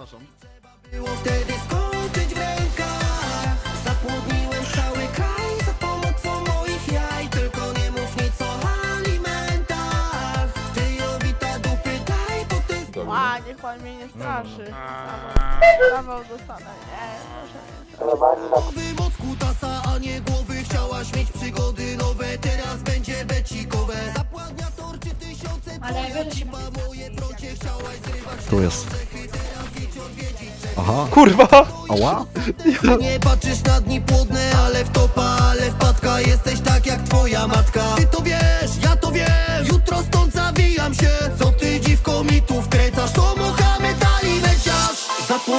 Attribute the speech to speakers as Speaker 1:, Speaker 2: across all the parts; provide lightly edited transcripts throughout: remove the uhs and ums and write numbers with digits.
Speaker 1: Przepraszam.
Speaker 2: Było wtedy skończyć w rękach. Zapłodniłem cały kraj za pomocą moich jaj. Tylko nie mów nic o alimentach. Ty Jowita dupy daj, bo ty
Speaker 3: A, niech pan mnie nie straszy. Zawał dostanę. Nie, proszę nie.
Speaker 2: Nowym od kutasa, a nie głowy. Chciałaś mieć przygody nowe, teraz będzie becikowe. Zapładnia torczy tysiące, twoja cipa, moje brocie. Chciałaś zrywać
Speaker 1: Tu jest. Aha.
Speaker 4: Kurwa!
Speaker 1: Ała.
Speaker 2: Nie patrzysz na dni płodne, ale w topa, ale wpadka. Jesteś tak jak twoja matka. Ty to wiesz, ja to wiem. Jutro stąd zawijam się. Co ty dziwko mi tu wkręcasz? To Mohamed Ali leciarz.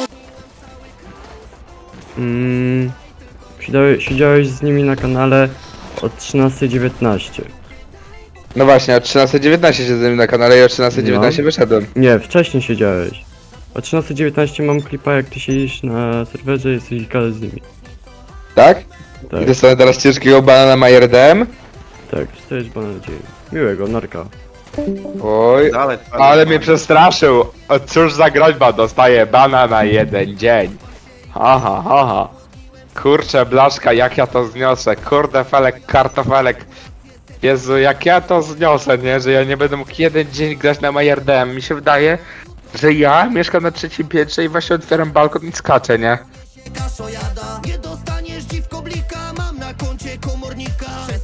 Speaker 5: Siedziałeś z nimi na kanale od 13:19.
Speaker 4: No właśnie, o 13:19 siedzę na kanale i o 13:19 wyszedłem.
Speaker 5: Nie, wcześniej siedziałeś. O 13:19 mam klipa, jak ty siedzisz na serwerze i jesteś gadać z nimi.
Speaker 4: Tak?
Speaker 5: Tak,
Speaker 4: I dostanę teraz ciężkiego banana Majer DM?
Speaker 5: tak, stajesz pana nadzieję. Miłego, narka.
Speaker 4: Oj, ale mnie przestraszył. O, cóż za groźba, dostaję bana na 1 dzień. Haha, haha. Kurczę, blaszka, jak ja to zniosę. Kurde, felek, kartofelek. Jezu, jak ja to zniosę, nie? Że ja nie będę mógł 1 dzień grać na Majer DM. Mi się wydaje, że ja mieszkam na 3. piętrze i właśnie otwieram balkon i skaczę, nie?
Speaker 2: Kaszojada. Nie dostaniesz dziwko blika. Mam na koncie komornika.